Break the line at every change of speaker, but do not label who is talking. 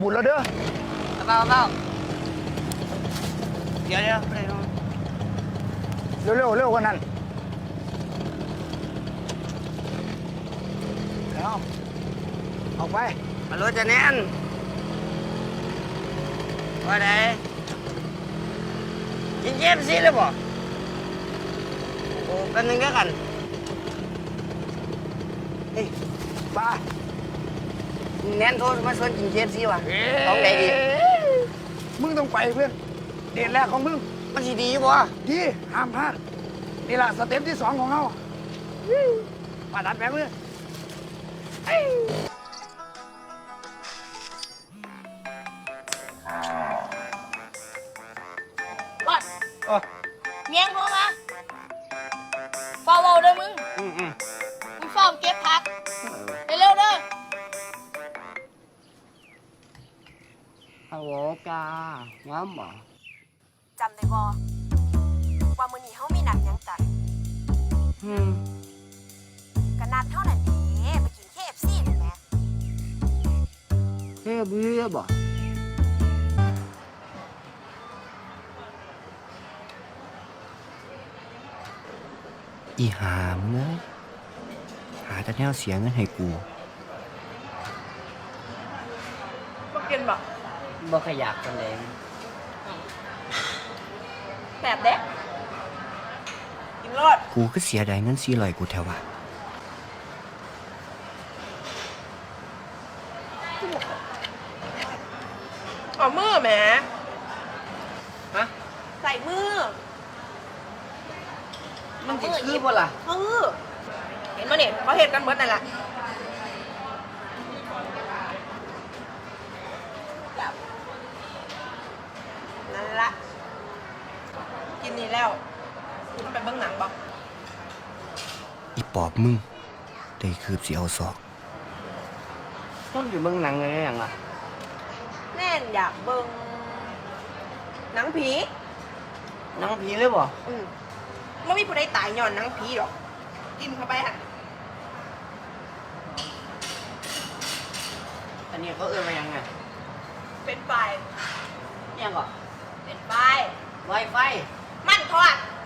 บุญแล้วเด้อ
เปล่าเดี๋ยว
เร็วกว่านั้นแล้วออกไป
มารถจะแน่นว่าไงกินเย็บสิเลยบ่โอ้กันหนึ่งก็กัน
เฮ้ยป้า
แน่นโทษมาชวนกินเย็บสิวะต้องไหนดี
มึงต้องไปเพื่อนเดทแรกของมึง
มันสิดีบ่
ดีห้ามพลาดนี่ล่ะสเต็ปที่2ของเรามาดัดแบงค์เลย
รอดเมียงโทรมาฟาวเด้อมึงมึงฟาวเก็บผักเร็วๆเด้อ
ฮัลโหลกาง้ามบ่
จำได้บ่ว่ามื้อนี้เฮามีนัดหยังกันก็นัดเท่านั้นเด้ไปกิน KFC นี่แหม
แค่เบื่อบ่อีหามเอ้ยหาแต่แนวเสียเงินให้กู
บ่กินบ่
บ่ขยักกันเลย
แบบเด้กินรอด
กูก็เสียดายเงิน400กูแถวว่า
เอามือแหม
ฮะ
ใส่มือ
มันสิคือบ่ล่ะ
เห็นบ่เนี่ยเขาเฮ็ดกันเบิดนั่นแหละนั่นละกินนี่แล้วคุณไปเบิ่งหนังบ่
อีปอบมึงได้คืบสิเอาศอกต้องอยู่เบิ่งหนังเลยอย่างล่ะ
แน่นอยากเบิ่งหนังผี
หนังผีเลยบ่
ไม่มีผู้ใดตายย้อนหนังผีหรอกกินเข้าไปฮะ
อันนี้เขาเอื้อมายังไง
เป็นไฟ
ยังก่อ
เป็นไฟ
ไวไฟ
มันทอด